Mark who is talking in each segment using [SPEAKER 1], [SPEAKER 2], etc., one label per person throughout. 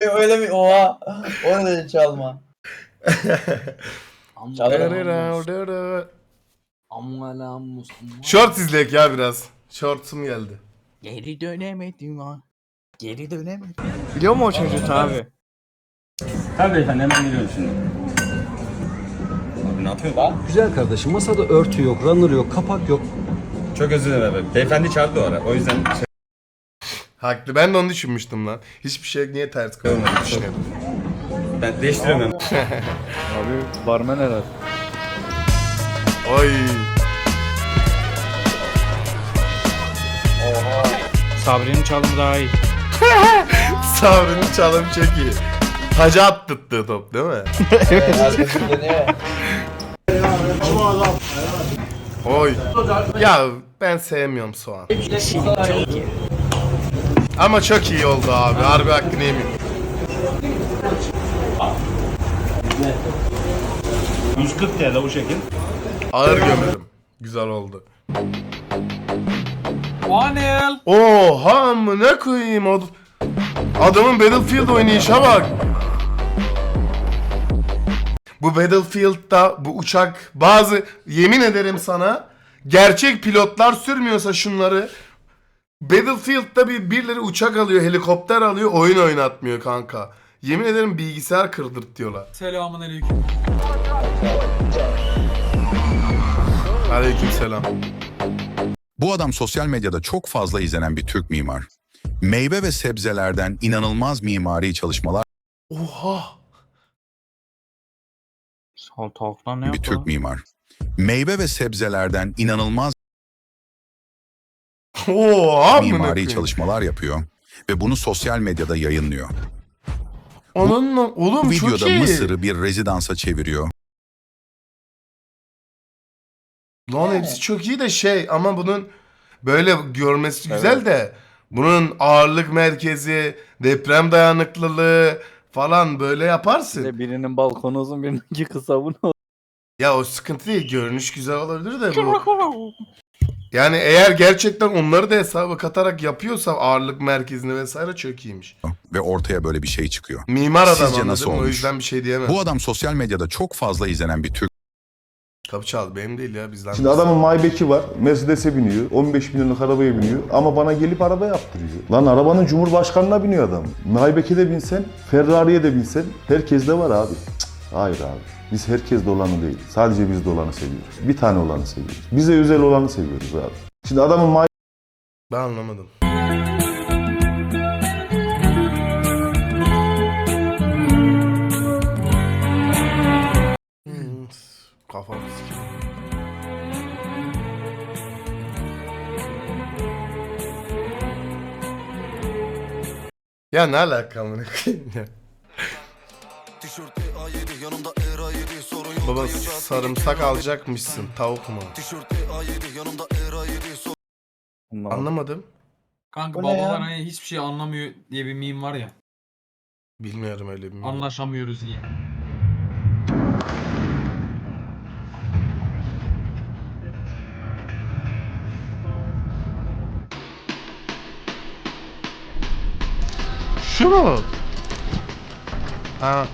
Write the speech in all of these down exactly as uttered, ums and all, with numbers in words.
[SPEAKER 1] Öyle mi? Oha. O ne dedi çalma?
[SPEAKER 2] Short izleyek ya biraz. Shorts'um geldi.
[SPEAKER 3] Geri dönemedim ha. Geri dönemedim.
[SPEAKER 4] Biliyor mu o çocuğu abi?
[SPEAKER 5] Tabii efendim hemen geliyorum şimdi. Abi ne yapıyorsun?
[SPEAKER 6] Güzel kardeşim, masada örtü yok, runner yok, kapak yok.
[SPEAKER 5] Çok özür dilerim abi. Beyefendi çağırdı o ara. O yüzden şey
[SPEAKER 2] Haklı. Ben de onu düşünmüştüm lan. Hiçbir şey niye ters koymadığını düşünüyordum.
[SPEAKER 5] ben değiştiremem.
[SPEAKER 4] Abi barmen herhalde.
[SPEAKER 2] Oy.
[SPEAKER 3] Sabri'nin çalımı daha iyi.
[SPEAKER 2] Sabri'nin çalım çok iyi. Taca attırttığı top değil mi?
[SPEAKER 1] Evet, arkası dönüyor.
[SPEAKER 2] Oy. Ya ben sevmiyorum soğan.
[SPEAKER 3] Çok iyi.
[SPEAKER 2] Ama çok iyi oldu abi. Harbi hakkını yemeyeyim.
[SPEAKER 5] yüz kırk T L o şekil.
[SPEAKER 2] Ağır gömerim. Güzel oldu.
[SPEAKER 3] Anel.
[SPEAKER 2] Oha mı ne koyayım o adamın Battlefield oynayışa bak. Bu Battlefield'da bu uçak bazı yemin ederim sana gerçek pilotlar sürmüyorsa şunları Battlefield'da bir birileri uçak alıyor, helikopter alıyor, oyun oynatmıyor kanka. Yemin ederim bilgisayar kırdırt diyorlar.
[SPEAKER 3] Selamun aleyküm.
[SPEAKER 2] Aleykümselam.
[SPEAKER 7] Bu adam sosyal medyada çok fazla izlenen bir Türk mimar. Meyve ve sebzelerden inanılmaz mimari çalışmalar
[SPEAKER 2] Oha.
[SPEAKER 3] Salatalıktan ne
[SPEAKER 7] bir Türk mimar. Meyve ve sebzelerden inanılmaz
[SPEAKER 2] Oha
[SPEAKER 7] mimari çalışmalar yapıyor ve bunu sosyal medyada yayınlıyor.
[SPEAKER 2] Onun oğlum
[SPEAKER 7] Bu
[SPEAKER 2] çok
[SPEAKER 7] videoda
[SPEAKER 2] iyi.
[SPEAKER 7] Mısır'ı bir rezidansa çeviriyor.
[SPEAKER 2] Lan hepsi çok iyi de şey ama bunun böyle görmesi güzel de bunun ağırlık merkezi, deprem dayanıklılığı falan böyle yaparsın.
[SPEAKER 4] İşte birinin balkonu uzun, birininki kısa, bu ne?
[SPEAKER 2] Ya o sıkıntı değil. Görünüş güzel olabilir de bu. Yani eğer gerçekten onları da hesaba katarak yapıyorsa ağırlık merkezini vesaire çok iyiymiş.
[SPEAKER 7] Ve ortaya böyle bir şey çıkıyor.
[SPEAKER 2] Mimar adam
[SPEAKER 7] Sizce nasıl
[SPEAKER 2] anladım o
[SPEAKER 7] olmuş?
[SPEAKER 2] yüzden bir şey diyemem.
[SPEAKER 7] Bu adam sosyal medyada çok fazla izlenen bir Türk
[SPEAKER 2] Kapı çaldı benim değil ya bizden.
[SPEAKER 8] Şimdi adamın Maybach'i var, Mercedes'e biniyor, on beş milyonluk arabaya biniyor ama bana gelip araba yaptırıyor. Lan arabanın Cumhurbaşkanı'na biniyor adam. Maybach'e de binsen, Ferrari'ye de binsen herkes de var abi. Cık, hayır abi. Biz herkes de olanı değil. Sadece biz de olanı seviyoruz. Bir tane olanı seviyoruz. Bize özel olanı seviyoruz abi. Şimdi adamın May
[SPEAKER 2] Ben anlamadım. Hmm, kafam sikiyor. Ya ne alaka amına koyayım ya? Baba sarımsak alacakmışsın tavuk mu?
[SPEAKER 4] Anlamadım.
[SPEAKER 2] Anlamadım.
[SPEAKER 3] Kanka
[SPEAKER 1] Bu ne ya?
[SPEAKER 3] babalar hani hiçbir şey anlamıyor diye bir meme var ya.
[SPEAKER 2] Bilmiyorum öyle bir.
[SPEAKER 3] Anlaşamıyoruz diye.
[SPEAKER 2] Şu mu? Ha.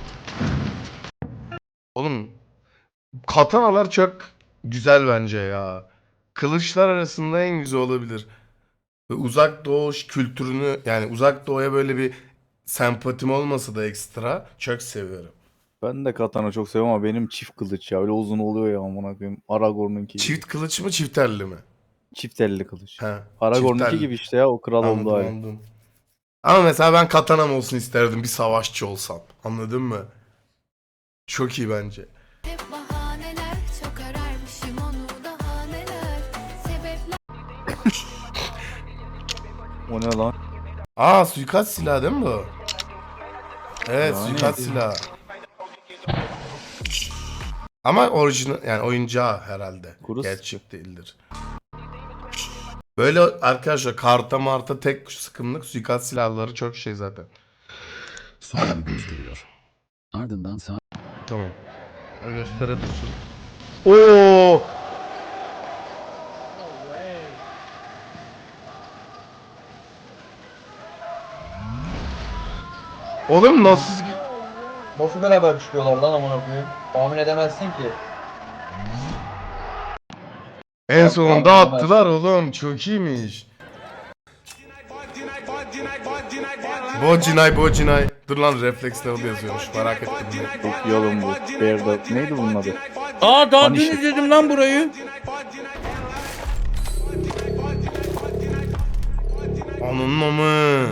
[SPEAKER 2] Oğlum katanalar çok güzel bence ya. Kılıçlar arasında en güzel olabilir. Ve uzak doğu kültürünü yani uzak doğuya böyle bir sempatim olmasa da ekstra çok seviyorum.
[SPEAKER 4] Ben de katana çok seviyorum ama benim çift kılıç ya. Öyle uzun oluyor ya, amına koyayım. Aragorn'unki gibi.
[SPEAKER 2] Çift kılıç mı çift elli mi?
[SPEAKER 4] Çift elli kılıç.
[SPEAKER 2] He.
[SPEAKER 4] Aragorn'unki
[SPEAKER 2] çift elli.
[SPEAKER 4] gibi işte ya, o kral
[SPEAKER 2] Anladım,
[SPEAKER 4] olduğu hali.
[SPEAKER 2] anladım. Ama mesela ben katanam olsun isterdim bir savaşçı olsam. Anladın mı? Çok iyi bence.
[SPEAKER 9] Hep bahaneler, çok ararmışım onu daha neler. Sebepler
[SPEAKER 4] O ne lan?
[SPEAKER 2] Aa suikast silahı değil mi bu? Evet
[SPEAKER 4] Yani.
[SPEAKER 2] suikast silahı. Ama orijinal yani oyuncağı herhalde.
[SPEAKER 4] Kuru
[SPEAKER 2] Gerçek değildir. Böyle arkadaşlar karta marta tek sıkımlık suikast silahları çok şey zaten.
[SPEAKER 6] Sonra gösteriyor. Ardından sağ
[SPEAKER 2] Tamam. Göstere dursun. Oo! Oğlum nasıl?
[SPEAKER 1] Nasıl beraber çıkıyorlar lan amına koyayım? Tahmin edemezsin ki.
[SPEAKER 2] En sonunda attılar oğlum. Çok iyiymiş. Bocinay Bocinay. Dur lan refleks level yazıyormuş. Merak ettim.
[SPEAKER 4] Çok iyi oğlum bu. Bear'da neydi bunun adı?
[SPEAKER 3] Aa daha dün
[SPEAKER 4] Punisher.
[SPEAKER 3] izledim lan burayı.
[SPEAKER 2] Onun amı.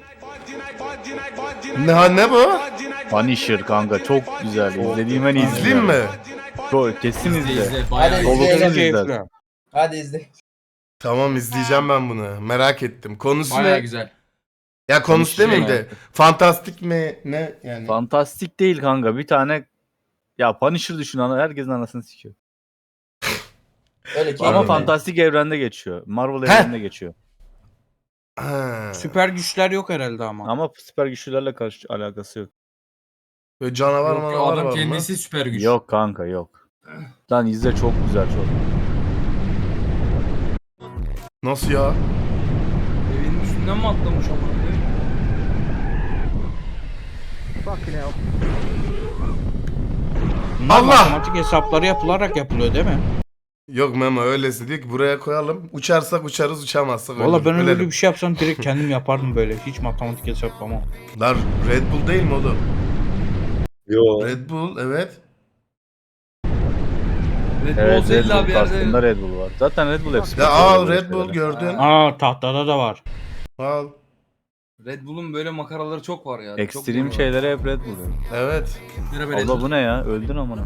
[SPEAKER 2] Ne ne bu?
[SPEAKER 4] Punisher kanka çok güzel. İzlediğim en iyi dizi
[SPEAKER 2] İzleyeyim
[SPEAKER 4] yani.
[SPEAKER 2] mi?
[SPEAKER 4] Çok kesin izle.
[SPEAKER 1] Hadi
[SPEAKER 4] Dolu
[SPEAKER 1] izleyelim.
[SPEAKER 4] kız izler.
[SPEAKER 1] Hadi izle.
[SPEAKER 2] Tamam izleyeceğim ben bunu. Merak ettim. Konusu
[SPEAKER 10] Bayağı
[SPEAKER 2] ne?
[SPEAKER 10] güzel.
[SPEAKER 2] Ya konusu
[SPEAKER 4] Konusu
[SPEAKER 2] demeyeyim de. Fantastik mi? Ne yani?
[SPEAKER 4] Fantastik değil kanka. Bir tane ya Punisher düşün ana herkesin anasını sikiyor.
[SPEAKER 1] Öyle ki.
[SPEAKER 4] Ama
[SPEAKER 2] Aynen.
[SPEAKER 4] fantastik evrende geçiyor. Marvel
[SPEAKER 2] Heh.
[SPEAKER 4] evreninde geçiyor.
[SPEAKER 2] Ha.
[SPEAKER 3] Süper güçler yok herhalde ama.
[SPEAKER 4] Ama süper güçlülerle karşı alakası yok.
[SPEAKER 2] Böyle canavar
[SPEAKER 10] Yok,
[SPEAKER 2] manavar
[SPEAKER 10] adam
[SPEAKER 2] var mı?
[SPEAKER 10] kendisi süper güç.
[SPEAKER 4] Yok kanka yok. Lan izle çok güzel çok.
[SPEAKER 2] Nasıl ya?
[SPEAKER 10] Evinin üstünden mi atlamış ama?
[SPEAKER 3] Bunlar
[SPEAKER 2] Allah!
[SPEAKER 3] matematik hesapları yapılarak yapılıyor değil mi?
[SPEAKER 2] Yok Memo öylesi diyor ki buraya koyalım. Uçarsak uçarız uçamazsak
[SPEAKER 3] Valla
[SPEAKER 2] ölürüz.
[SPEAKER 3] ben öyle
[SPEAKER 2] Ölelim.
[SPEAKER 3] bir şey yapsam direkt kendim yapardım böyle. Hiç matematik hesaplamam.
[SPEAKER 2] Lan Red Bull değil mi oğlum?
[SPEAKER 5] Yo.
[SPEAKER 2] Red Bull evet.
[SPEAKER 10] Red Bull
[SPEAKER 4] Evet
[SPEAKER 10] olsa
[SPEAKER 4] Red
[SPEAKER 10] illa
[SPEAKER 4] Bull
[SPEAKER 10] bir
[SPEAKER 4] kastında
[SPEAKER 10] yerde...
[SPEAKER 4] Red Bull var. Zaten Red Bull hepsi.
[SPEAKER 2] Ya
[SPEAKER 4] yapıyor
[SPEAKER 2] al
[SPEAKER 4] böyle
[SPEAKER 2] Red Bull
[SPEAKER 4] şeyleri.
[SPEAKER 2] gördün.
[SPEAKER 3] Aa tahtada da var.
[SPEAKER 2] Al.
[SPEAKER 10] Red Bull'un böyle makaraları çok var ya.
[SPEAKER 4] Ekstrem şeylere hep Red Bull.
[SPEAKER 2] Evet.
[SPEAKER 4] Allah bu ne ya? Öldün amına.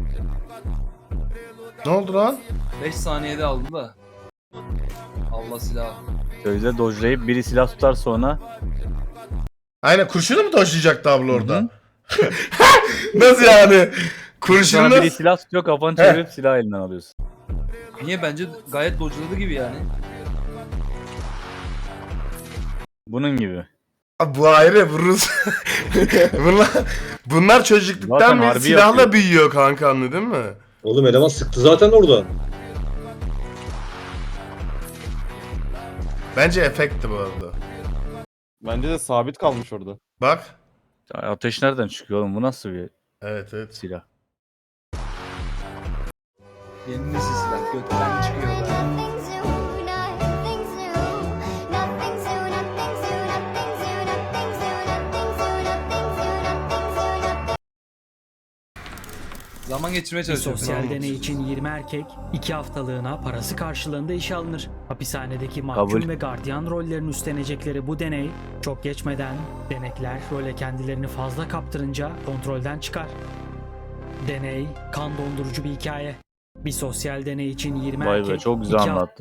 [SPEAKER 2] Ne oldu lan?
[SPEAKER 10] beş saniyede aldı da. Allah silahı.
[SPEAKER 4] Sözde dojlayıp biri silah tutar sonra.
[SPEAKER 2] Aynen kurşunu mu taşıyacaktı abla orada?
[SPEAKER 4] Hı
[SPEAKER 2] Nasıl yani?
[SPEAKER 4] Sonra
[SPEAKER 2] Kurşunu
[SPEAKER 4] biri silah tutuyor kafanı çevirip silah elinden alıyorsun.
[SPEAKER 10] Niye? Bence gayet dodge'ladı gibi yani.
[SPEAKER 4] Bunun gibi.
[SPEAKER 2] bu ayrı bu Rus. bunlar, bunlar çocukluktan
[SPEAKER 4] Zaten
[SPEAKER 2] beri
[SPEAKER 4] harbi
[SPEAKER 2] silahla
[SPEAKER 4] yapıyor.
[SPEAKER 2] büyüyor kanka anladın mı?
[SPEAKER 5] Oğlum eleman sıktı zaten oradan.
[SPEAKER 2] Bence efekti bu arada.
[SPEAKER 11] Bence de sabit kalmış orada.
[SPEAKER 2] Bak.
[SPEAKER 4] Ya ateş nereden çıkıyor oğlum? Bu nasıl bir
[SPEAKER 2] Evet evet.
[SPEAKER 4] silah?
[SPEAKER 10] Yeni nesil silah. Gökten çıkıyor da.
[SPEAKER 9] Nothing's new, nothing's new, nothing's new, nothing's new, nothing's new, nothing's new, nothing's new, nothing's new, nothing's new.
[SPEAKER 10] Zaman geçirmeye
[SPEAKER 12] Bir
[SPEAKER 10] çalışıyor.
[SPEAKER 12] sosyal deney için yirmi erkek iki haftalığına parası karşılığında işe alınır. Hapishanedeki mahkum
[SPEAKER 4] Kabul.
[SPEAKER 12] ve gardiyan rollerini üstlenecekleri bu deney çok geçmeden denekler role kendilerini fazla kaptırınca kontrolden çıkar. Deney kan dondurucu bir hikaye. Bir sosyal deney için yirmi
[SPEAKER 4] Vay
[SPEAKER 12] erkek
[SPEAKER 4] be çok güzel
[SPEAKER 12] iki
[SPEAKER 4] anlattın.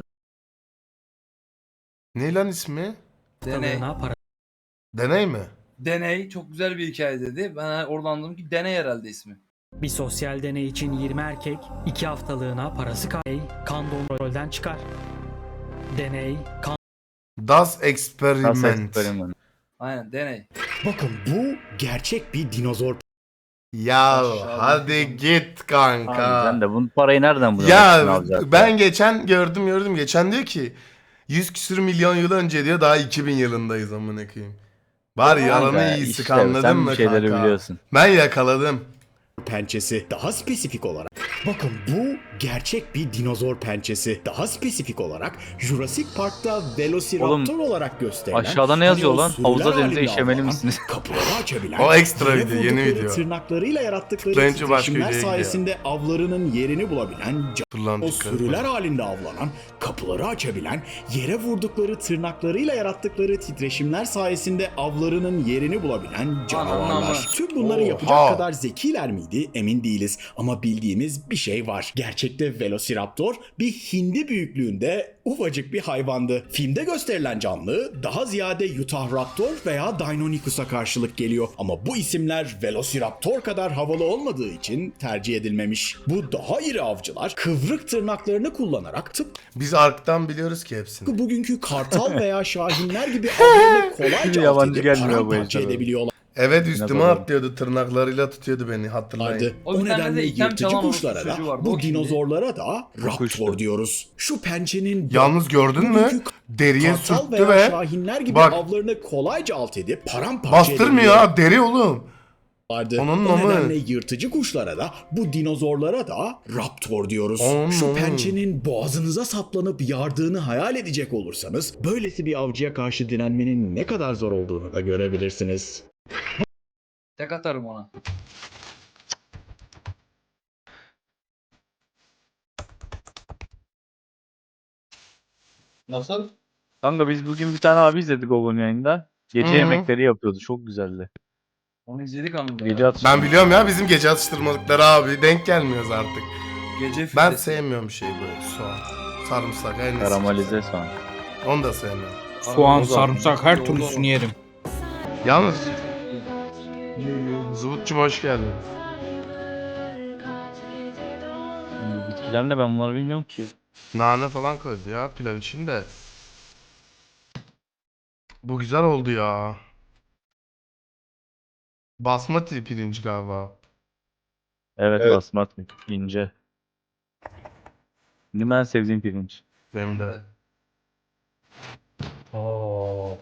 [SPEAKER 2] Ne lan ismi?
[SPEAKER 10] Deney.
[SPEAKER 12] haftalığına para
[SPEAKER 2] Deney mi?
[SPEAKER 10] Deney. Çok güzel bir hikaye dedi. Ben oradan anladım ki Deney herhalde ismi.
[SPEAKER 12] Bir sosyal deney için yirmi erkek iki haftalığına parası kar kan dondurucudan çıkar. Deney kan
[SPEAKER 2] Das
[SPEAKER 4] Nasıl
[SPEAKER 2] Experiment.
[SPEAKER 4] experiment?
[SPEAKER 10] Aynen Deney.
[SPEAKER 3] Bakın bu gerçek bir dinozor.
[SPEAKER 2] Ya
[SPEAKER 10] Aşağıdaki
[SPEAKER 2] hadi git kanka.
[SPEAKER 4] Abi sen de bu parayı nereden bulacaksın?
[SPEAKER 2] Ya
[SPEAKER 4] alacaksın?
[SPEAKER 2] ben geçen gördüm gördüm. Geçen diyor ki yüz küsür milyon yıl önce diyor daha iki bin yılındayız amına koyayım. Var yalanı
[SPEAKER 4] Kanka,
[SPEAKER 2] iyisi
[SPEAKER 4] işte
[SPEAKER 2] anladın
[SPEAKER 4] sen
[SPEAKER 2] mı
[SPEAKER 4] bir şeyleri
[SPEAKER 2] kanka?
[SPEAKER 4] biliyorsun.
[SPEAKER 2] Ben yakaladım.
[SPEAKER 3] Pençesi daha spesifik olarak. Bakın bu gerçek bir dinozor pençesi. Daha spesifik olarak Jurassic Park'ta Velociraptor olarak gösterilen.
[SPEAKER 4] Aşağıda ne yazıyor
[SPEAKER 3] hani o
[SPEAKER 4] lan?
[SPEAKER 3] sürüler
[SPEAKER 4] Havuza denize
[SPEAKER 3] halinde
[SPEAKER 4] işemeli
[SPEAKER 3] avlanan,
[SPEAKER 4] misiniz?
[SPEAKER 3] Kapıları açabilen.
[SPEAKER 2] O ekstra
[SPEAKER 3] yere
[SPEAKER 2] video, yeni
[SPEAKER 3] vurdukları
[SPEAKER 2] video.
[SPEAKER 3] Tırnaklarıyla yarattıkları
[SPEAKER 2] Tıklayınca başka
[SPEAKER 3] titreşimler
[SPEAKER 2] videoya gidiyor.
[SPEAKER 3] sayesinde avlarının yerini bulabilen.
[SPEAKER 2] Dur lan
[SPEAKER 3] O
[SPEAKER 2] dikkat
[SPEAKER 3] sürüler
[SPEAKER 2] et.
[SPEAKER 3] halinde avlanan, kapıları açabilen, yere vurdukları tırnaklarıyla yarattıkları titreşimler sayesinde avlarının yerini bulabilen canavarlar.
[SPEAKER 10] Anam.
[SPEAKER 3] Tüm bunları
[SPEAKER 2] Oha.
[SPEAKER 3] yapacak kadar zekiler miydi emin değiliz ama bildiğimiz bir şey var. Gerçekte Velociraptor bir hindi büyüklüğünde ufacık bir hayvandı. Filmde gösterilen canlı daha ziyade Utahraptor veya Deinonychus'a karşılık geliyor. Ama bu isimler Velociraptor kadar havalı olmadığı için tercih edilmemiş. Bu daha iri avcılar kıvrık tırnaklarını kullanarak tıpkı
[SPEAKER 2] Biz Ark'tan biliyoruz ki hepsini.
[SPEAKER 3] bugünkü kartal veya şahinler gibi avlarını kolayca alt
[SPEAKER 4] Yabancı
[SPEAKER 3] edip
[SPEAKER 4] gelmiyor bu
[SPEAKER 3] paramparça
[SPEAKER 4] ejderha.
[SPEAKER 3] edebiliyorlar.
[SPEAKER 2] Evet üstüme
[SPEAKER 4] Dinozor.
[SPEAKER 2] atlıyordu, tırnaklarıyla tutuyordu beni, hatırlayın.
[SPEAKER 3] vardı.
[SPEAKER 10] O
[SPEAKER 3] O
[SPEAKER 10] bir tane de
[SPEAKER 3] nedenle
[SPEAKER 10] item
[SPEAKER 3] yırtıcı
[SPEAKER 10] çalan
[SPEAKER 3] kuşlara
[SPEAKER 10] orospu çocuğu
[SPEAKER 3] da
[SPEAKER 10] vardı.
[SPEAKER 3] bu
[SPEAKER 10] O kimdi?
[SPEAKER 3] dinozorlara da raptor
[SPEAKER 4] Kuştu.
[SPEAKER 3] diyoruz. Şu pençenin
[SPEAKER 2] Yalnız gördün mü?
[SPEAKER 3] bugünkü
[SPEAKER 2] Deriye
[SPEAKER 3] kartal
[SPEAKER 2] sürttü
[SPEAKER 3] veya
[SPEAKER 2] ve
[SPEAKER 3] şahinler gibi
[SPEAKER 2] bak,
[SPEAKER 3] avlarını kolayca alt edip paramparça
[SPEAKER 2] bastırmıyor ha, deri oğlum.
[SPEAKER 3] vardı.
[SPEAKER 2] Onun
[SPEAKER 3] o
[SPEAKER 2] namı.
[SPEAKER 3] nedenle yırtıcı kuşlara da bu dinozorlara da raptor diyoruz.
[SPEAKER 2] Onun
[SPEAKER 3] Şu
[SPEAKER 2] namı.
[SPEAKER 3] pençenin boğazınıza saplanıp yardığını hayal edecek olursanız böylesi bir avcıya karşı direnmenin ne kadar zor olduğunu da görebilirsiniz.
[SPEAKER 10] Tek atarım ona.
[SPEAKER 1] Nasıl?
[SPEAKER 4] Kanka biz bugün bir tane abi izledik Gogon yayında. Gece
[SPEAKER 2] Hı hı.
[SPEAKER 4] yemekleri yapıyordu. Çok güzeldi.
[SPEAKER 10] Onu izledik anında.
[SPEAKER 4] Gece
[SPEAKER 10] ya.
[SPEAKER 4] atıştırma.
[SPEAKER 2] Ben biliyorum ya, bizim gece atıştırmalıkları abi, denk gelmiyoruz artık.
[SPEAKER 10] Gece
[SPEAKER 2] Ben
[SPEAKER 10] fitnesi.
[SPEAKER 2] sevmiyorum şey böyle soğan, sarımsak, her neyse.
[SPEAKER 4] Karamelize soğan.
[SPEAKER 2] Onu da sevmiyorum.
[SPEAKER 10] Soğan, sarımsak her türlüsünü
[SPEAKER 11] yerim.
[SPEAKER 2] Yalnız Zıvıtçım hoş geldin.
[SPEAKER 4] Bu bitkiler ne, ben bunları bilmiyorum ki.
[SPEAKER 2] Nane falan koydu ya pilav için de. Bu güzel oldu ya. Basmati pirinç galiba.
[SPEAKER 4] Evet,
[SPEAKER 8] Evet.
[SPEAKER 4] basmati. İnce. Benim en sevdiğim pirinç.
[SPEAKER 2] Benim de. Oo.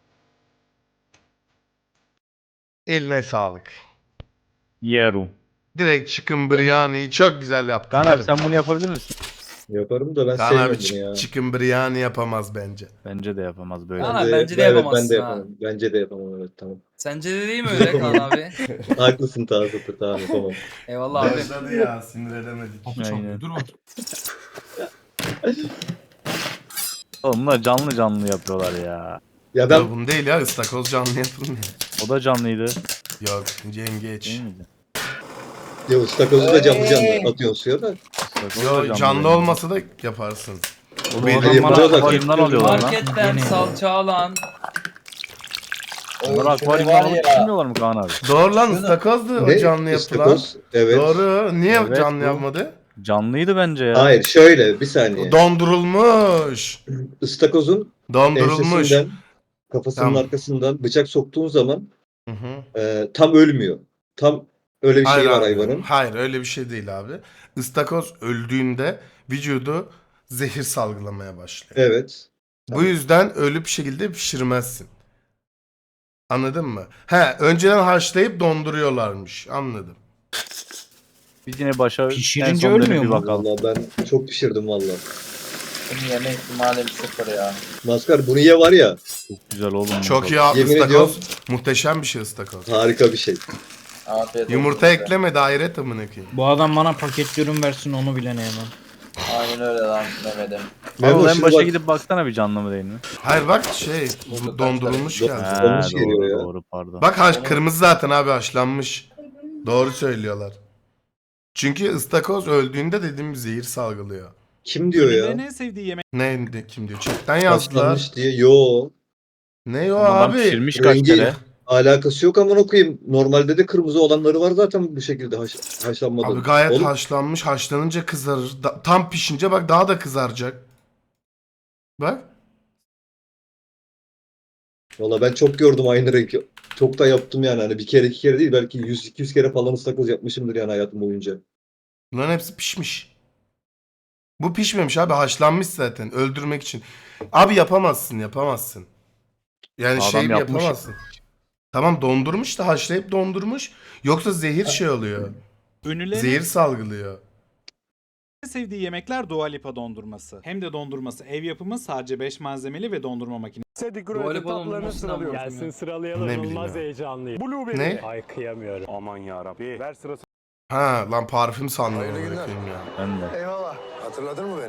[SPEAKER 2] Eline sağlık.
[SPEAKER 4] Yerum.
[SPEAKER 2] Direkt chicken biryani çok güzel yaptın.
[SPEAKER 4] Kaan abi sen bunu yapabilir misin?
[SPEAKER 8] Yaparım da ben
[SPEAKER 2] Kaan abi
[SPEAKER 8] sevmiyorum
[SPEAKER 2] ç-
[SPEAKER 8] bunu ya.
[SPEAKER 2] chicken biryani yapamaz bence.
[SPEAKER 4] Bence de yapamaz böyle.
[SPEAKER 10] Kaan
[SPEAKER 8] Ben
[SPEAKER 10] abi,
[SPEAKER 8] de-
[SPEAKER 10] bence de
[SPEAKER 8] evet,
[SPEAKER 10] yapamazsın
[SPEAKER 8] ben de
[SPEAKER 10] ha.
[SPEAKER 8] yapamam. Bence de yapamam, evet, tamam.
[SPEAKER 10] Sence de değil mi öyle Kaan abi?
[SPEAKER 8] Haklısın Tazatır, tamam yapamam.
[SPEAKER 10] Eyvallah abi.
[SPEAKER 2] Başladı ya, sinir edemedik.
[SPEAKER 4] Aynen. Oğlum bunlar canlı canlı yapıyorlar ya.
[SPEAKER 8] Ya ben
[SPEAKER 2] Ya bunu değil ya, ıstakoz canlı yapılmıyor.
[SPEAKER 4] O da canlıydı.
[SPEAKER 2] Yok, yengeç.
[SPEAKER 4] Değil miydi?
[SPEAKER 8] ya ıstakozu da canlı
[SPEAKER 1] Ee.
[SPEAKER 8] canlı atıyorsun suya da.
[SPEAKER 4] Bak, o da
[SPEAKER 2] Yo,
[SPEAKER 4] canlı
[SPEAKER 2] canlı
[SPEAKER 4] benim.
[SPEAKER 2] olmasa da yaparsın.
[SPEAKER 4] O
[SPEAKER 2] Bu
[SPEAKER 4] adam
[SPEAKER 8] Yapıyor
[SPEAKER 4] bana
[SPEAKER 8] da-
[SPEAKER 4] akvaryumdan alıyorlar lan.
[SPEAKER 10] Marketten salça alan.
[SPEAKER 4] Bunları
[SPEAKER 1] Şurayı
[SPEAKER 4] akvaryumdan
[SPEAKER 1] var
[SPEAKER 4] alıp
[SPEAKER 1] ya.
[SPEAKER 4] pişirmiyorlar mı Kaan abi?
[SPEAKER 2] Doğru lan, ıstakozdu o
[SPEAKER 8] Ne?
[SPEAKER 2] canlı yapılan.
[SPEAKER 8] İstakoz, evet.
[SPEAKER 2] Doğru. Niye
[SPEAKER 4] Evet,
[SPEAKER 2] canlı
[SPEAKER 4] bu.
[SPEAKER 2] yapmadı?
[SPEAKER 4] Canlıydı bence ya.
[SPEAKER 8] Hayır, şöyle bir saniye.
[SPEAKER 2] Dondurulmuş.
[SPEAKER 8] Istakozun
[SPEAKER 2] Dondurulmuş.
[SPEAKER 8] ensesinden, kafasının
[SPEAKER 2] Tamam.
[SPEAKER 8] arkasından bıçak soktuğun zaman
[SPEAKER 2] Hı hı.
[SPEAKER 8] e, tam ölmüyor. Tam öyle bir şey var
[SPEAKER 2] abi.
[SPEAKER 8] hayvanın.
[SPEAKER 2] Hayır, öyle bir şey değil abi. Istakoz öldüğünde vücudu zehir salgılamaya başlıyor.
[SPEAKER 8] Evet.
[SPEAKER 2] Bu yüzden ölü bir şekilde pişirmezsin. Anladın mı? He, önceden haşlayıp donduruyorlarmış. Anladım.
[SPEAKER 4] Biz yine başa
[SPEAKER 11] Pişirince
[SPEAKER 4] en son dönüp
[SPEAKER 11] ölmüyor
[SPEAKER 4] bir
[SPEAKER 11] mu?
[SPEAKER 4] bakalım.
[SPEAKER 8] Vallahi ben çok pişirdim vallahi.
[SPEAKER 1] Benim yeme ihtimalim sıfır ya.
[SPEAKER 8] Maskar bunu ye var ya,
[SPEAKER 4] Çok güzel oğlum.
[SPEAKER 2] Çok iyi
[SPEAKER 4] ya.
[SPEAKER 2] abi,
[SPEAKER 8] Yemin
[SPEAKER 2] ıstakoz.
[SPEAKER 8] ediyorum.
[SPEAKER 2] Muhteşem bir şey ıstakoz.
[SPEAKER 8] harika bir şey.
[SPEAKER 1] Afiyet olsun
[SPEAKER 2] Yumurta
[SPEAKER 1] size.
[SPEAKER 2] ekleme, daire amına koyayım.
[SPEAKER 11] Bu adam bana paketli ürün versin onu bile ne yemem.
[SPEAKER 1] Aynen öyle lan Mehmet'im.
[SPEAKER 8] Memo,
[SPEAKER 4] Oğlum en
[SPEAKER 8] şimdi
[SPEAKER 4] başa
[SPEAKER 8] bak-
[SPEAKER 4] gidip baksana bir canlı mı değil mi?
[SPEAKER 2] Hayır bak şey,
[SPEAKER 1] Bulduk
[SPEAKER 2] dondurulmuş
[SPEAKER 8] kaçları.
[SPEAKER 2] geldi.
[SPEAKER 8] Ha.
[SPEAKER 4] He,
[SPEAKER 8] Olmuş geliyor
[SPEAKER 4] doğru
[SPEAKER 8] ya.
[SPEAKER 4] doğru pardon.
[SPEAKER 2] Bak haş, kırmızı zaten abi, haşlanmış. Doğru söylüyorlar. Çünkü ıstakoz öldüğünde dediğim zehir salgılıyor.
[SPEAKER 8] Kim diyor ya?
[SPEAKER 6] En sevdiği yemek.
[SPEAKER 2] Ne, ne- kim diyor? Chatten yazdılar.
[SPEAKER 8] Haşlanmış diye. Yo.
[SPEAKER 2] Ne o
[SPEAKER 4] Adam
[SPEAKER 2] abi?
[SPEAKER 4] pişirmiş kaç
[SPEAKER 8] Rengi
[SPEAKER 4] kere.
[SPEAKER 8] alakası yok amına koyayım. Normalde de kırmızı olanları var zaten bu şekilde haş, haşlanmadan.
[SPEAKER 2] Abi gayet
[SPEAKER 8] Oğlum,
[SPEAKER 2] haşlanmış. Haşlanınca kızarır. Da- tam pişince bak daha da kızaracak. Bak.
[SPEAKER 8] Valla ben çok gördüm aynı rengi. Çok da yaptım yani. Hani bir kere iki kere değil, belki yüz iki yüz kere falan ıstakoz yapmışımdır yani hayatım boyunca.
[SPEAKER 2] Bunların hepsi pişmiş. Bu pişmemiş abi. Haşlanmış zaten. Öldürmek için. Abi yapamazsın. Yapamazsın. Yani
[SPEAKER 4] Adam
[SPEAKER 2] şey
[SPEAKER 4] yapmış.
[SPEAKER 2] yapamazsın. Tamam, dondurmuş da haşlayıp dondurmuş. Yoksa zehir şey oluyor.
[SPEAKER 6] Ünlülerin
[SPEAKER 2] Zehir salgılıyor.
[SPEAKER 6] en sevdiği yemekler Dua Lipa dondurması. Hem de dondurması ev yapımı, sadece beş malzemeli ve dondurma makinesi.
[SPEAKER 10] Dua Lipa dondurmasını alıyorum.
[SPEAKER 11] Gelsin sıralayalım.
[SPEAKER 2] Ne bileyim
[SPEAKER 11] İnanılmaz
[SPEAKER 2] ya.
[SPEAKER 11] heyecanlıyım.
[SPEAKER 2] Ne?
[SPEAKER 11] Ay kıyamıyorum. Aman yarabbi. Ver sırası.
[SPEAKER 2] Ha lan, parfüm sandım. amına koyayım ya.
[SPEAKER 4] Ben de.
[SPEAKER 9] Eyvallah. Hatırladın mı beni?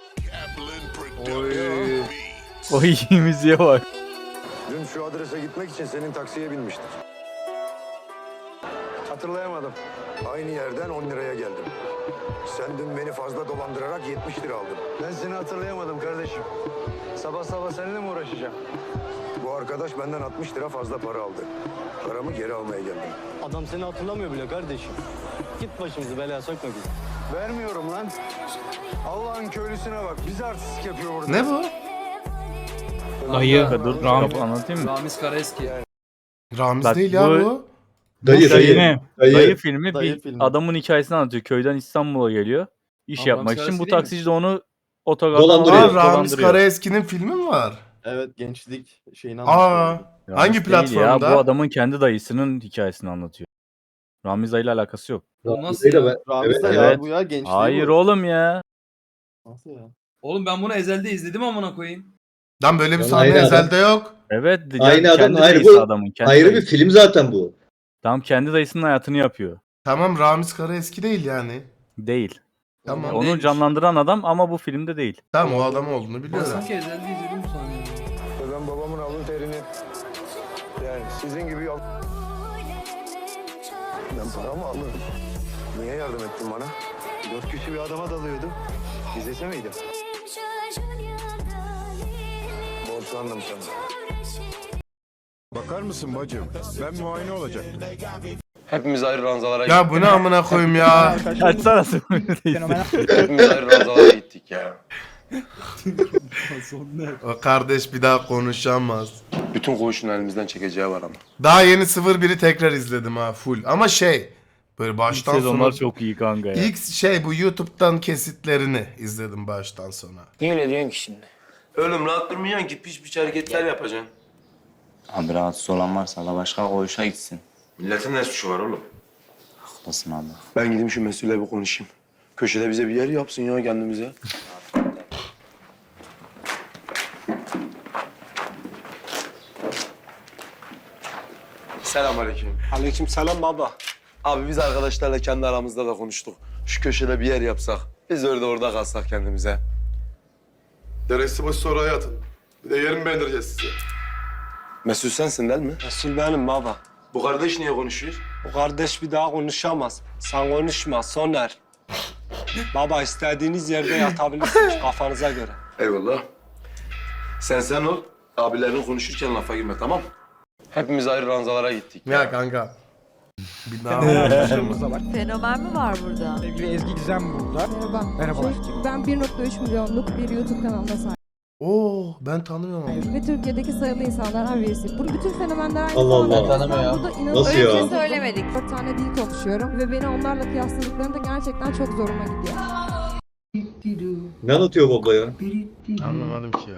[SPEAKER 10] Oy.
[SPEAKER 4] O iyi müziğe bak.
[SPEAKER 9] Dün şu adrese gitmek için senin taksiye binmiştik. Hatırlayamadım. Aynı yerden on liraya geldim. Sen dün beni fazla dolandırarak yetmiş lira aldın. Ben seni hatırlayamadım kardeşim. Sabah sabah seninle mi uğraşacağım? Bu arkadaş benden altmış lira fazla para aldı. Paramı geri almaya geldim.
[SPEAKER 11] Adam seni hatırlamıyor bile kardeşim. Git başımızı belaya sokma bizi.
[SPEAKER 9] Vermiyorum lan. Allah'ın köylüsüne bak. Bizi artistik yapıyor burada.
[SPEAKER 2] Ne bu?
[SPEAKER 11] Dayı.
[SPEAKER 4] Dur
[SPEAKER 11] Ram-
[SPEAKER 4] kapı anlatayım mı?
[SPEAKER 10] Ramiz Karaeski.
[SPEAKER 2] Ramiz
[SPEAKER 4] Bak
[SPEAKER 2] değil ya
[SPEAKER 4] bu-
[SPEAKER 2] bu.
[SPEAKER 4] Dayı,
[SPEAKER 13] Dayı,
[SPEAKER 4] dayı,
[SPEAKER 13] dayı.
[SPEAKER 4] dayı filmi
[SPEAKER 13] Dayı
[SPEAKER 4] bir
[SPEAKER 13] filmi.
[SPEAKER 4] adamın hikayesini anlatıyor. Köyden İstanbul'a geliyor. İş
[SPEAKER 10] Ama
[SPEAKER 4] yapmak
[SPEAKER 10] Ramiz
[SPEAKER 4] için. Bu
[SPEAKER 10] Karaeski değil mi?
[SPEAKER 4] taksici de onu otogardan
[SPEAKER 13] Dolandırıyor.
[SPEAKER 2] Aa,
[SPEAKER 4] alıp
[SPEAKER 2] Ramiz
[SPEAKER 4] dolandırıyor.
[SPEAKER 2] Karaeski'nin filmi mi var?
[SPEAKER 13] Evet gençlik şeyini
[SPEAKER 2] Aa,
[SPEAKER 13] anlatıyor.
[SPEAKER 4] Ramiz
[SPEAKER 2] hangi
[SPEAKER 4] değil
[SPEAKER 2] platformda?
[SPEAKER 4] Ya, bu adamın kendi dayısının hikayesini anlatıyor. Ramiz dayıyla alakası yok.
[SPEAKER 10] O nasıl ya?
[SPEAKER 13] Ramiz
[SPEAKER 2] Evet,
[SPEAKER 13] de
[SPEAKER 4] evet.
[SPEAKER 13] ya bu ya gençliği
[SPEAKER 4] Hayır
[SPEAKER 13] bu.
[SPEAKER 4] oğlum ya.
[SPEAKER 13] Nasıl ya?
[SPEAKER 10] Oğlum ben bunu ezelde izledim amına koyayım.
[SPEAKER 2] Lan böyle bir
[SPEAKER 14] Lan
[SPEAKER 2] sahne
[SPEAKER 14] aynı adam.
[SPEAKER 2] ezelde yok.
[SPEAKER 4] Evet.
[SPEAKER 14] Aynı
[SPEAKER 4] ya,
[SPEAKER 14] adam,
[SPEAKER 4] kendi
[SPEAKER 14] ayrı
[SPEAKER 4] dayısı
[SPEAKER 14] bu-
[SPEAKER 4] adamın. Kendi
[SPEAKER 14] Ayrı bir
[SPEAKER 4] dayısı.
[SPEAKER 14] film zaten bu.
[SPEAKER 4] Tam kendi dayısının hayatını yapıyor.
[SPEAKER 2] Tamam, Ramiz Karaeski değil yani.
[SPEAKER 4] Değil.
[SPEAKER 2] Tamam.
[SPEAKER 10] Oğlum,
[SPEAKER 4] Onu
[SPEAKER 10] değilmiş.
[SPEAKER 4] canlandıran adam ama bu filmde değil.
[SPEAKER 2] Tamam, o adam olduğunu
[SPEAKER 10] Ben
[SPEAKER 2] biliyorum.
[SPEAKER 10] sanki ezelde izledim sanıyorum.
[SPEAKER 9] Ben babamın alın terini yani sizin gibi yol... Ben paramı alırım. Niye yardım ettin bana? Dört kişi bir adama dalıyordum. İzlese miydim? Borçlandım sana.
[SPEAKER 8] Bakar mısın bacım? Ben muayene olacaktım.
[SPEAKER 5] Hepimiz ayrı ranzalara
[SPEAKER 2] Ya bu ne amına koyayım ya.
[SPEAKER 4] Açsana değilsin.
[SPEAKER 5] Hepimiz ayrı ranzalara gittik ya.
[SPEAKER 2] O kardeş bir daha konuşamaz.
[SPEAKER 5] Bütün koğuşun elimizden çekeceği var ama.
[SPEAKER 2] Daha yeni sıfır biri tekrar izledim ha, full. Ama şey, böyle
[SPEAKER 4] İlk
[SPEAKER 2] baştan sona.
[SPEAKER 4] sezonlar çok iyi kanka ya.
[SPEAKER 2] İlk şey, bu YouTube'dan kesitlerini izledim baştan sona.
[SPEAKER 11] Niye öyle diyorsun ki şimdi?
[SPEAKER 5] Oğlum rahat durmayacaksın ki piç piç hareketler yapacaksın.
[SPEAKER 11] Abi rahatsız olan varsa da başka koğuşa gitsin.
[SPEAKER 5] Milletin ne suçu var oğlum?
[SPEAKER 11] Haklısın abi.
[SPEAKER 5] Ben gideyim şu mesulle bir konuşayım. Köşede bize bir yer yapsın ya kendimize. Selamünaleyküm.
[SPEAKER 11] Aleyküm selam baba.
[SPEAKER 5] Abi biz arkadaşlarla kendi aramızda da konuştuk. Şu köşede bir yer yapsak. Biz orada orada kalsak kendimize.
[SPEAKER 8] Deresi başı sonra hayatım. Bir de yerimi beğendireceğiz size.
[SPEAKER 5] Mesut sensin değil mi?
[SPEAKER 11] Resul benim baba.
[SPEAKER 5] Bu kardeş niye konuşuyor?
[SPEAKER 11] Bu kardeş bir daha konuşamaz. Sen konuşma Soner. Baba istediğiniz yerde yatabilirsiniz kafanıza göre.
[SPEAKER 5] Eyvallah. Sen sen ol. Abilerin konuşurken lafa girme tamam mı? Hepimiz ayrı ranzalara gittik.
[SPEAKER 2] Ya kanka. Bir daha
[SPEAKER 15] Fenomen mi var burada?
[SPEAKER 12] Sevgili Ezgi Gizem burada.
[SPEAKER 15] Merhaba.
[SPEAKER 12] Merhabalar.
[SPEAKER 15] Çünkü ben bir nokta üç milyonluk bir YouTube kanalına sahibim.
[SPEAKER 2] Oo, ben tanımıyorum onu.
[SPEAKER 15] Ve Türkiye'deki sayılı insanlardan birisiyim. Bu bütün fenomenler aynı
[SPEAKER 14] Allah Allah.
[SPEAKER 15] zamanda
[SPEAKER 1] Tanımıyor ya.
[SPEAKER 15] burada inanılmaz
[SPEAKER 14] Nasıl ya?
[SPEAKER 15] Öyle bir şey söylemedik. Dört tane dil konuşuyorum ve beni onlarla kıyasladıklarında gerçekten çok zoruma gidiyor.
[SPEAKER 14] Ne anlatıyor baba ya?
[SPEAKER 2] Anlamadım ki ya.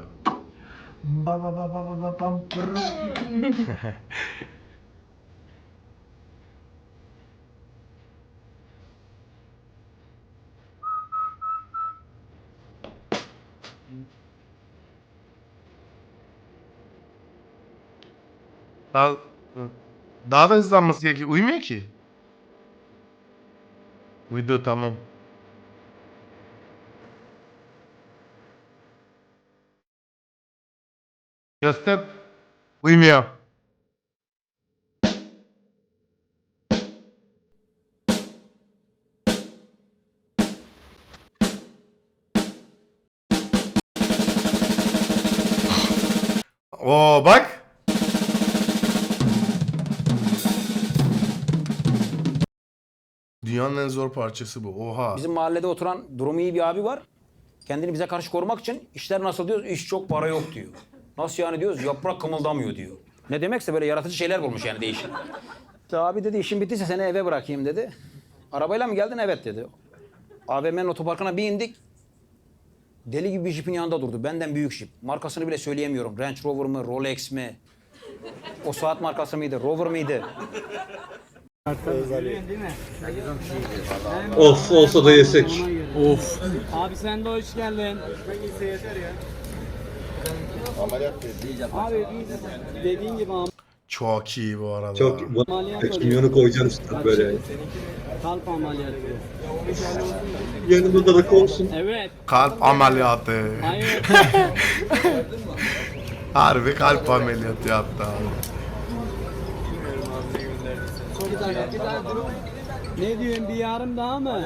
[SPEAKER 2] Daha, daha da hızlanması gerekiyor. Uyumuyor ki. Uyudu, tamam. Göster. Uyumuyor. Oo bak. Dünyanın en zor parçası bu. Oha.
[SPEAKER 11] Bizim mahallede oturan durumu iyi bir abi var. Kendini bize karşı korumak için işler nasıl diyoruz? İş çok, para yok diyor. Nasıl yani diyoruz? Yaprak kımıldamıyor diyor. Ne demekse böyle yaratıcı şeyler bulmuş yani değişik. İşte abi dedi işin bittiyse seni eve bırakayım dedi. Arabayla mı geldin? Evet dedi. A V M'nin otoparkına bir indik. Deli gibi bir jipin yanında durdu. Benden büyük jip. Markasını bile söyleyemiyorum. Range Rover mı, Rolex mi? O saat markası mıydı, Rover mıydı?
[SPEAKER 14] Of olsa da yesek.
[SPEAKER 12] Of. Abi sen de hoş geldin. Abi dediğin gibi
[SPEAKER 2] Çok iyi bu arada.
[SPEAKER 14] Çok bu kimyonu koyacağım üstüne böyle.
[SPEAKER 12] kalp ameliyatı.
[SPEAKER 14] Yanımda da olsun.
[SPEAKER 12] Evet.
[SPEAKER 2] Kalp ameliyatı.
[SPEAKER 12] Hayır.
[SPEAKER 2] Harbi kalp ameliyatı yaptı abi.
[SPEAKER 12] Ne diyorsun bir yarım daha mı?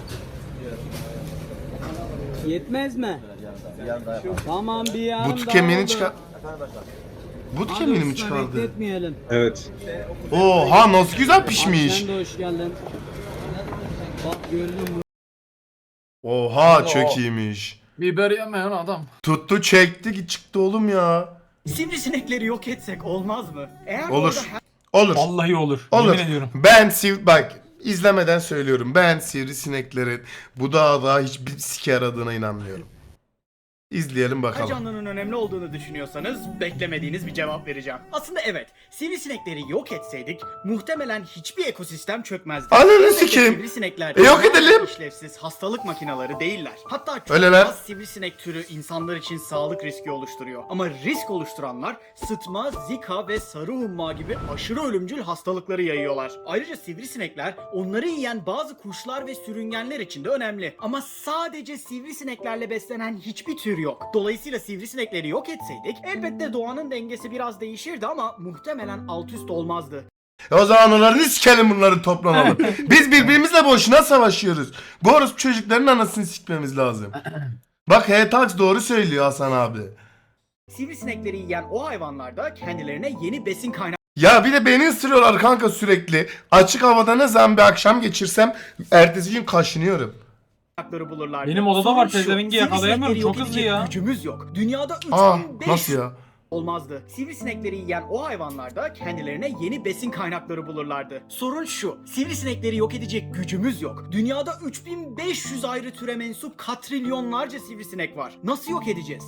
[SPEAKER 12] Yetmez mi? Tamam bir yarım
[SPEAKER 2] But
[SPEAKER 12] daha
[SPEAKER 2] kemiğini
[SPEAKER 12] oldu.
[SPEAKER 2] çıkar. But
[SPEAKER 12] Hadi
[SPEAKER 2] kemiğini mi
[SPEAKER 12] usta,
[SPEAKER 2] çıkardı?
[SPEAKER 12] bekletmeyelim.
[SPEAKER 14] Evet.
[SPEAKER 2] Oha nasıl güzel
[SPEAKER 12] Abi
[SPEAKER 2] pişmiş.
[SPEAKER 12] sen de hoş geldin. Bak gördün mü?
[SPEAKER 2] Oha çok iyiymiş.
[SPEAKER 10] Biber yemeyen adam.
[SPEAKER 2] Tuttu çekti çıktı oğlum ya.
[SPEAKER 12] Sivrisinekleri yok etsek olmaz mı? Eğer
[SPEAKER 2] Olur. Olur.
[SPEAKER 16] Vallahi olur.
[SPEAKER 2] Olur.
[SPEAKER 16] Yemin ediyorum.
[SPEAKER 2] Ben siv bak izlemeden söylüyorum. Ben sivrisineklerin bu dağda hiçbir sike yaradığına inanmıyorum. İzleyelim bakalım.
[SPEAKER 17] Canlının önemli olduğunu düşünüyorsanız beklemediğiniz bir cevap vereceğim. Aslında evet, sivrisinekleri yok etseydik muhtemelen hiçbir ekosistem çökmezdi.
[SPEAKER 2] Ananı
[SPEAKER 17] Elbette
[SPEAKER 2] sikeyim.
[SPEAKER 17] Sivrisinekler
[SPEAKER 2] E, yok edelim.
[SPEAKER 17] işlevsiz hastalık makineleri değiller. Hatta çok
[SPEAKER 2] Öyleler.
[SPEAKER 17] az sivrisinek türü insanlar için sağlık riski oluşturuyor. Ama risk oluşturanlar sıtma, zika ve sarı humma gibi aşırı ölümcül hastalıkları yayıyorlar. Ayrıca sivrisinekler onları yiyen bazı kuşlar ve sürüngenler için de önemli. Ama sadece sivrisineklerle beslenen hiçbir tür yok. Dolayısıyla sivrisinekleri yok etseydik elbette doğanın dengesi biraz değişirdi ama muhtemelen alt üst olmazdı.
[SPEAKER 2] E o zaman onların sikelim bunları toplanalım. Biz birbirimizle boşuna savaşıyoruz. Bu orospu çocukların anasını sikmemiz lazım. Bak H-Tax doğru söylüyor Hasan abi.
[SPEAKER 17] Sivrisinekleri yiyen o hayvanlar da kendilerine yeni besin kaynakları
[SPEAKER 2] Ya bir de beni ısırıyorlar kanka sürekli. Açık havada ne zaman bir akşam geçirsem ertesi gün kaşınıyorum.
[SPEAKER 17] bulurlardı.
[SPEAKER 16] Benim odada
[SPEAKER 17] Sorun
[SPEAKER 16] var,
[SPEAKER 17] şu,
[SPEAKER 16] pezevengi yakalayamıyorum,
[SPEAKER 17] sivrisinekleri
[SPEAKER 16] çok
[SPEAKER 17] yok
[SPEAKER 16] hızlı
[SPEAKER 17] edecek
[SPEAKER 16] ya.
[SPEAKER 17] Gücümüz yok. Dünyada
[SPEAKER 2] Aa
[SPEAKER 17] üç bin beş
[SPEAKER 2] nasıl
[SPEAKER 17] yüz
[SPEAKER 2] ya?
[SPEAKER 17] olmazdı. Sivrisinekleri yiyen o hayvanlar da kendilerine yeni besin kaynakları bulurlardı. Sorun şu, sivrisinekleri yok edecek gücümüz yok. Dünyada üç bin beş yüz ayrı türe mensup katrilyonlarca sivrisinek var. Nasıl yok edeceğiz?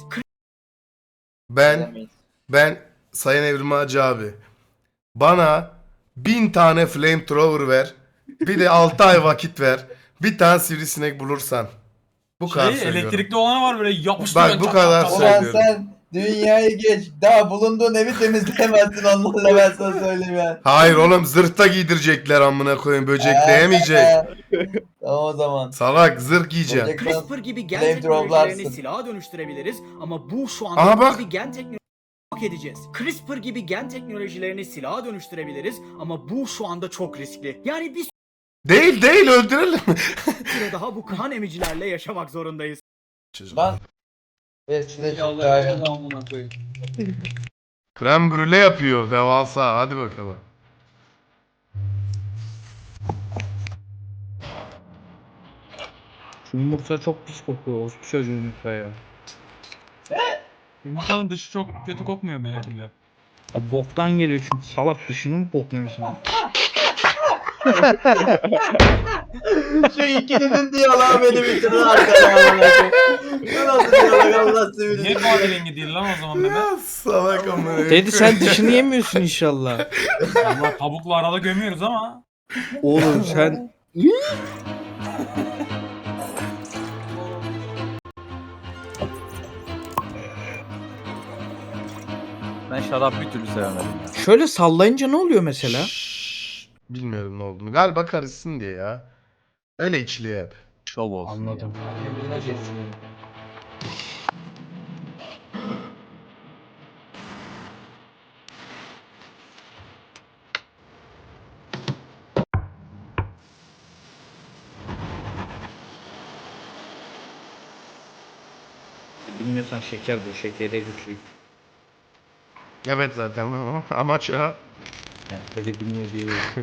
[SPEAKER 2] Ben ben Sayın Evrim Hacı abi bana bin tane flamethrower ver. Bir de altı ay vakit ver. Bir tane sivrisinek bulursan. Bu kadar
[SPEAKER 16] Şey,
[SPEAKER 2] söylüyorum.
[SPEAKER 16] elektrikli olana var böyle yapıştırıyor.
[SPEAKER 2] Bak bu
[SPEAKER 16] çat
[SPEAKER 2] kadar
[SPEAKER 16] çat çat.
[SPEAKER 1] Ulan
[SPEAKER 2] söylüyorum.
[SPEAKER 1] sen dünyayı geç. Daha bulunduğun evi temizleyemezsin onlarla, ben sana söyleyeyim ya.
[SPEAKER 2] Hayır oğlum zırhta giydirecekler amına koyayım, böcekleyemeyecek.
[SPEAKER 1] Tamam o zaman.
[SPEAKER 2] Salak zırh giyeceğim.
[SPEAKER 17] CRISPR gibi gen
[SPEAKER 1] Flamethrow'larsın.
[SPEAKER 17] teknolojilerini silaha dönüştürebiliriz ama bu şu
[SPEAKER 2] Aha
[SPEAKER 17] anda
[SPEAKER 2] bak.
[SPEAKER 17] bir gen teknolojisi yok edeceğiz. CRISPR gibi gen teknolojilerini silaha dönüştürebiliriz ama bu şu anda çok riskli. Yani bir
[SPEAKER 2] Değil değil öldürelim.
[SPEAKER 17] süre daha bu kan emicilerle yaşamak zorundayız.
[SPEAKER 1] Lan. Ver size şu kahve.
[SPEAKER 2] Krem brûle yapıyor devasa, hadi bakalım.
[SPEAKER 13] Şu yumurta çok pis kokuyor. O çocuğun yumurta ya.
[SPEAKER 16] Yumurtanın dışı çok kötü kokmuyor belki de.
[SPEAKER 13] Ya boktan geliyor çünkü salak dışını mı bokluyorsun?
[SPEAKER 1] Şu ikilinin diyaloğu beni bitirdi arkadan. Bu nasıl diyalog Allah sevgili.
[SPEAKER 16] Niye kahverengi değil lan o zaman Mehmet?
[SPEAKER 2] Salak amına.
[SPEAKER 13] Dedi sen dışını yemiyorsun inşallah.
[SPEAKER 16] Ama tavukla arada gömüyoruz ama.
[SPEAKER 13] Oğlum sen...
[SPEAKER 4] Ben şarap bir türlü sevemedim ya.
[SPEAKER 13] Şöyle sallayınca ne oluyor mesela?
[SPEAKER 2] Şşş, bilmiyorum ne olduğunu. Galiba karışsın diye ya. Öyle içiliyor hep.
[SPEAKER 4] Şov olsun.
[SPEAKER 13] Anladım. Bilmiyorsan şeker bu, şekere güçlü.
[SPEAKER 2] Evet zaten amaç o.
[SPEAKER 13] Yani böyle bilmiyor diye.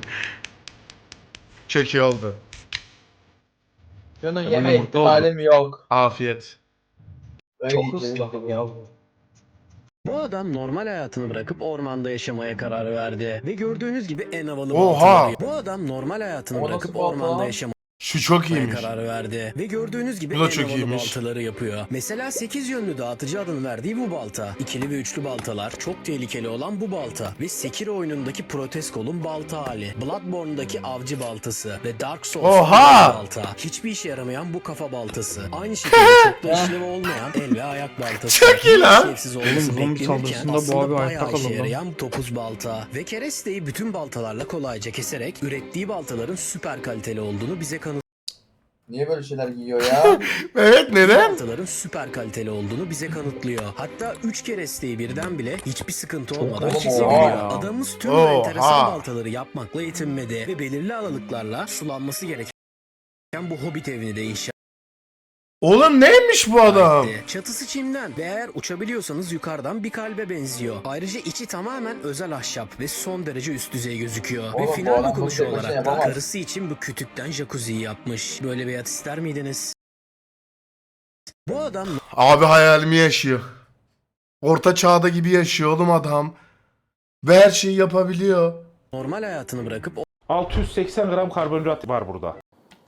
[SPEAKER 2] Çok iyi oldu.
[SPEAKER 1] Şunu yeme ihtimalim yok.
[SPEAKER 2] Afiyet.
[SPEAKER 1] Çok ıslak ya.
[SPEAKER 18] Bu adam normal hayatını bırakıp ormanda yaşamaya karar verdi. Ve gördüğünüz gibi en havalı
[SPEAKER 2] Oha!
[SPEAKER 18] baltaları. Bu adam normal hayatını
[SPEAKER 1] O nasıl
[SPEAKER 18] bırakıp
[SPEAKER 1] balta
[SPEAKER 18] ormanda
[SPEAKER 1] lan?
[SPEAKER 18] yaşamaya
[SPEAKER 2] Şu çok iyiymiş.
[SPEAKER 18] karar verdi. Ve gördüğünüz gibi
[SPEAKER 2] Bu da
[SPEAKER 18] en
[SPEAKER 2] çok
[SPEAKER 18] havalı
[SPEAKER 2] iyiymiş.
[SPEAKER 18] baltaları yapıyor. Mesela sekiz yönlü dağıtıcı adını verdiği bu balta. İkili ve üçlü baltalar çok tehlikeli olan bu balta. Ve Sekiro oyunundaki Proteskol'un balta hali. Bloodborne'daki avcı baltası. Ve Dark Souls'un
[SPEAKER 2] Oha!
[SPEAKER 18] balta. Hiçbir işe yaramayan bu kafa baltası. Aynı şekilde çok da işlevi olmayan el ve ayak baltası.
[SPEAKER 2] Çok iyi lan.
[SPEAKER 18] İşlevsiz olması
[SPEAKER 13] Oğlum, zombi
[SPEAKER 18] beklenirken
[SPEAKER 13] saldırısında bu
[SPEAKER 18] aslında
[SPEAKER 13] abi
[SPEAKER 18] bayağı
[SPEAKER 13] ayakta
[SPEAKER 18] işe
[SPEAKER 13] kalır lan.
[SPEAKER 18] yarayan topuz balta. Ve keresteyi bütün baltalarla kolayca keserek ürettiği baltaların süper kaliteli olduğunu bize kanıtlıyor.
[SPEAKER 1] Niye böyle şeyler giyiyor ya?
[SPEAKER 2] Evet neden?
[SPEAKER 18] Baltaların süper kaliteli olduğunu bize kanıtlıyor. Hatta üç keresteyi birden bile hiçbir sıkıntı olmadan
[SPEAKER 1] oha.
[SPEAKER 18] kesebiliyor. Adamımız tüm bu
[SPEAKER 2] Oha.
[SPEAKER 18] enteresan baltaları yapmakla yetinmedi ve belirli aralıklarla sulanması gereken bu hobbit evini de inşa
[SPEAKER 2] Oğlum neymiş bu adam?
[SPEAKER 18] etti. Çatısı çimden ve eğer uçabiliyorsanız yukarıdan bir kalbe benziyor. Ayrıca içi tamamen özel ahşap ve son derece üst düzey gözüküyor.
[SPEAKER 1] Oğlum,
[SPEAKER 18] ve
[SPEAKER 1] bu
[SPEAKER 18] final
[SPEAKER 1] adam
[SPEAKER 18] dokunuşu
[SPEAKER 1] bunu tek başına
[SPEAKER 18] olarak da
[SPEAKER 1] yapamaz.
[SPEAKER 18] karısı için bu kütükten jacuzziyi yapmış. Böyle bir hayat ister miydiniz? Bu adam
[SPEAKER 2] Abi hayalimi yaşıyor. Orta çağda gibi yaşıyor oğlum adam. Ve her şeyi yapabiliyor.
[SPEAKER 18] normal hayatını bırakıp
[SPEAKER 19] altı yüz seksen gram karbonhidrat var burada.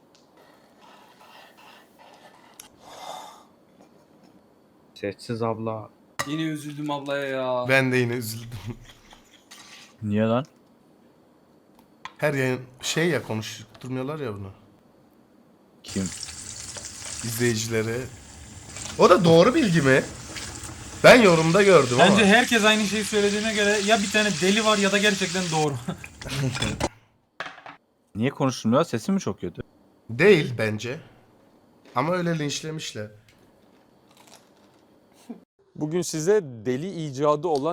[SPEAKER 4] Sessiz abla.
[SPEAKER 10] Yine üzüldüm ablaya ya.
[SPEAKER 2] Ben de yine üzüldüm.
[SPEAKER 4] Niye lan?
[SPEAKER 2] Her yayın şey ya konuşturmuyorlar ya bunu.
[SPEAKER 4] Kim?
[SPEAKER 2] İzleyicileri. O da doğru bilgi mi? Ben yorumda gördüm
[SPEAKER 16] Bence
[SPEAKER 2] ama.
[SPEAKER 16] herkes aynı şeyi söylediğine göre ya bir tane deli var ya da gerçekten doğru.
[SPEAKER 4] Niye konuşulmuyor? Sesi mi çok kötü?
[SPEAKER 2] Değil bence. Ama öyle linçlemişler.
[SPEAKER 20] Bugün size deli icadı olan